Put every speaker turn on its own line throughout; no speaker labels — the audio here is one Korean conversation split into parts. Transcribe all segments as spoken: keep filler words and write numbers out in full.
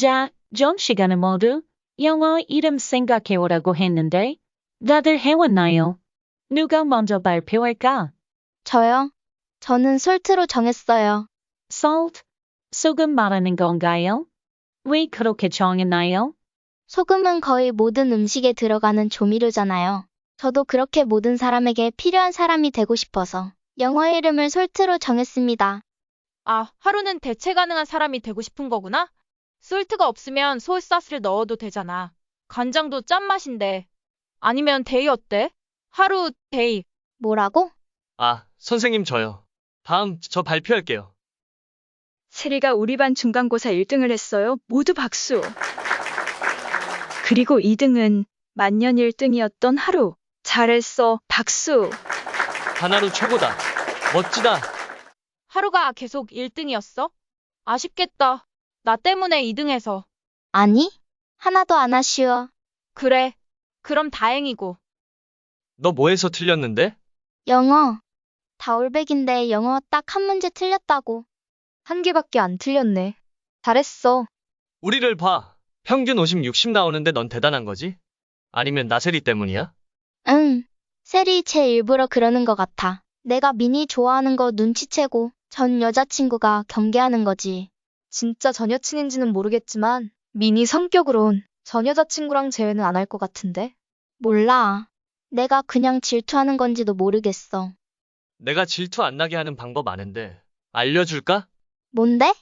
자, 전 시간에 모두 영어 이름 생각해오라고 했는데 다들 해왔나요? 누가 먼저 발표할까?
저요? 저는 솔트로 정했어요.
salt? 소금 말하는 건가요? 왜 그렇게 정했나요?
소금은 거의 모든 음식에 들어가는 조미료잖아요. 저도 그렇게 모든 사람에게 필요한 사람이 되고 싶어서 영어 이름을 솔트로 정했습니다.
아, 하루는 대체 가능한 사람이 되고 싶은 거구나? 솔트가 없으면 소스사스를 넣어도 되잖아. 간장도 짠맛인데. 아니면 데이 어때? 하루 데이.
뭐라고?
아, 선생님 저요. 다음 저 발표할게요.
세리가 우리 반 중간고사 일 등을 했어요. 모두 박수. 그리고 이 등은 만년 일 등이었던 하루. 잘했어. 박수.
하나로 최고다. 멋지다.
하루가 계속 일 등이었어? 아쉽겠다. 나 때문에 이 등해서.
아니, 하나도 안 아쉬워.
그래. 그럼 다행이고.
너 뭐해서 틀렸는데?
영어. 다 올백인데 영어 딱 한 문제 틀렸다고.
한 개밖에 안 틀렸네. 잘했어.
우리를 봐. 평균 오십, 육십 나오는데 넌 대단한 거지? 아니면 나세리 때문이야?
응. 셀이 제 일부러 그러는 것 같아. 내가 미니 좋아하는 거 눈치채고 전 여자친구가 경계하는 거지.
진짜 전 여친인지는 모르겠지만 미니 성격으론 전 여자친구랑 재회는 안 할 것 같은데?
몰라. 내가 그냥 질투하는 건지도 모르겠어.
내가 질투 안 나게 하는 방법 아는데 알려줄까?
뭔데?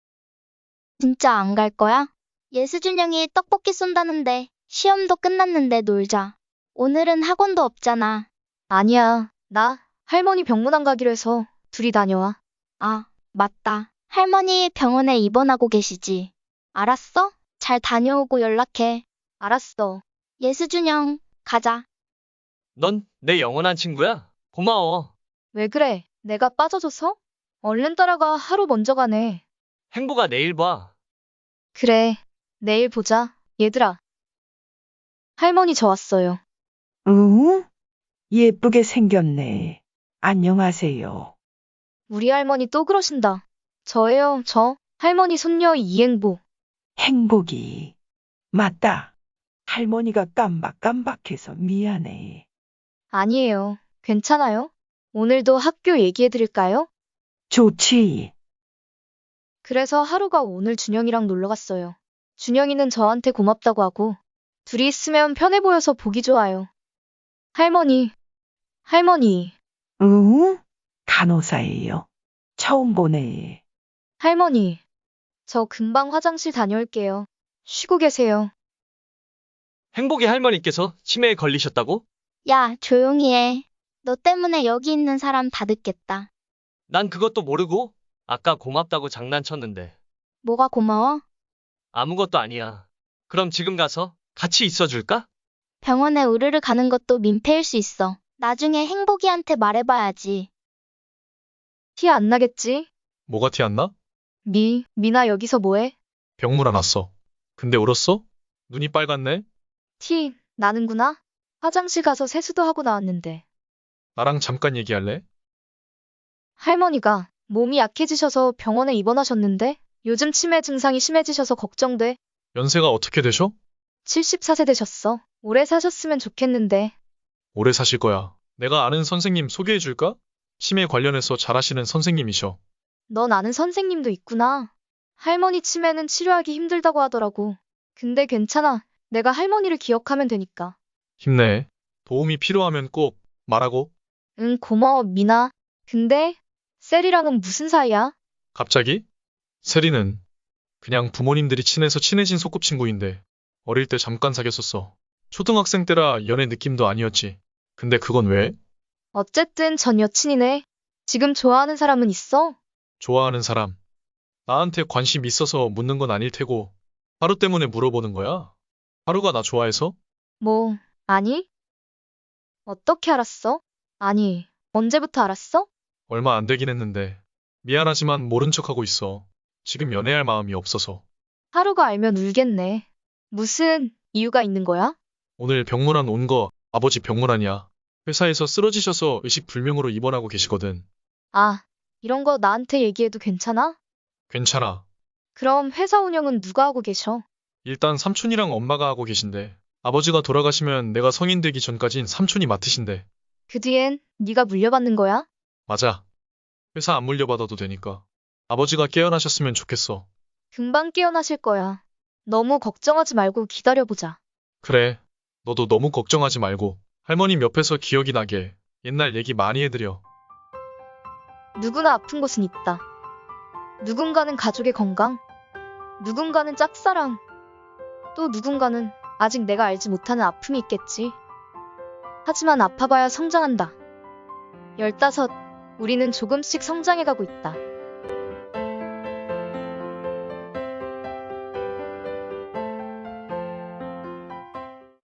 진짜 안 갈 거야? 예수준 형이 떡볶이 쏜다는데 시험도 끝났는데 놀자. 오늘은 학원도 없잖아.
아니야. 나 할머니 병문안 가기로 해서 둘이 다녀와.
아, 맞다. 할머니 병원에 입원하고 계시지. 알았어? 잘 다녀오고 연락해.
알았어.
예수준 형, 가자.
넌 내 영원한 친구야. 고마워.
왜 그래? 내가 빠져줘서? 얼른 따라가. 하루 먼저 가네.
행복아 내일 봐.
그래. 내일 보자. 얘들아. 할머니 저 왔어요.
응? 예쁘게 생겼네. 안녕하세요.
우리 할머니 또 그러신다. 저예요, 저. 할머니 손녀 이행보.
행복이. 맞다. 할머니가 깜박깜박해서 미안해.
아니에요. 괜찮아요? 오늘도 학교 얘기해드릴까요?
좋지.
그래서 하루가 오늘 준영이랑 놀러 갔어요. 준영이는 저한테 고맙다고 하고 둘이 있으면 편해 보여서 보기 좋아요. 할머니, 할머니,
응? 간호사예요. 처음 보네.
할머니. 저 금방 화장실 다녀올게요. 쉬고 계세요.
행복이 할머니께서 치매에 걸리셨다고?
야, 조용히 해. 너 때문에 여기 있는 사람 다 듣겠다.
난 그것도 모르고 아까 고맙다고 장난쳤는데
뭐가 고마워?
아무것도 아니야. 그럼 지금 가서 같이 있어줄까?
병원에 우르르 가는 것도 민폐일 수 있어. 나중에 행복이한테 말해봐야지.
티 안 나겠지?
뭐가 티 안 나?
미, 미나 여기서 뭐해?
병물 안 왔어. 근데 울었어? 눈이 빨갛네?
티, 나는구나? 화장실 가서 세수도 하고 나왔는데.
나랑 잠깐 얘기할래?
할머니가 몸이 약해지셔서 병원에 입원하셨는데 요즘 치매 증상이 심해지셔서 걱정돼.
연세가 어떻게 되셔?
칠십사 세 되셨어. 오래 사셨으면 좋겠는데.
오래 사실 거야. 내가 아는 선생님 소개해 줄까? 치매 관련해서 잘하시는 선생님이셔.
넌 아는 선생님도 있구나. 할머니 치매는 치료하기 힘들다고 하더라고. 근데 괜찮아. 내가 할머니를 기억하면 되니까.
힘내. 도움이 필요하면 꼭 말하고.
응, 고마워, 미나. 근데 셀이랑은 무슨 사이야?
갑자기? 세리는 그냥 부모님들이 친해서 친해진 소꿉친구인데 어릴 때 잠깐 사귀었었어. 초등학생 때라 연애 느낌도 아니었지. 근데 그건 왜?
어쨌든 전 여친이네. 지금 좋아하는 사람은 있어?
좋아하는 사람. 나한테 관심 있어서 묻는 건 아닐 테고 하루 때문에 물어보는 거야? 하루가 나 좋아해서?
뭐, 아니? 어떻게 알았어? 아니, 언제부터 알았어?
얼마 안 되긴 했는데 미안하지만 모른 척하고 있어. 지금 연애할 마음이 없어서.
하루가 알면 울겠네. 무슨 이유가 있는 거야?
오늘 병문안 온 거 아버지 병문안이야. 회사에서 쓰러지셔서 의식불명으로 입원하고 계시거든.
아, 이런 거 나한테 얘기해도 괜찮아?
괜찮아.
그럼 회사 운영은 누가 하고 계셔?
일단 삼촌이랑 엄마가 하고 계신데 아버지가 돌아가시면 내가 성인 되기 전까진 삼촌이 맡으신대.
그 뒤엔 네가 물려받는 거야?
맞아. 회사 안 물려받아도 되니까. 아버지가 깨어나셨으면 좋겠어.
금방 깨어나실 거야. 너무 걱정하지 말고 기다려보자.
그래. 너도 너무 걱정하지 말고 할머님 옆에서 기억이 나게 옛날 얘기 많이 해드려.
누구나 아픈 곳은 있다. 누군가는 가족의 건강, 누군가는 짝사랑, 또 누군가는 아직 내가 알지 못하는 아픔이 있겠지. 하지만 아파봐야 성장한다. 열다섯, 우리는 조금씩 성장해가고 있다.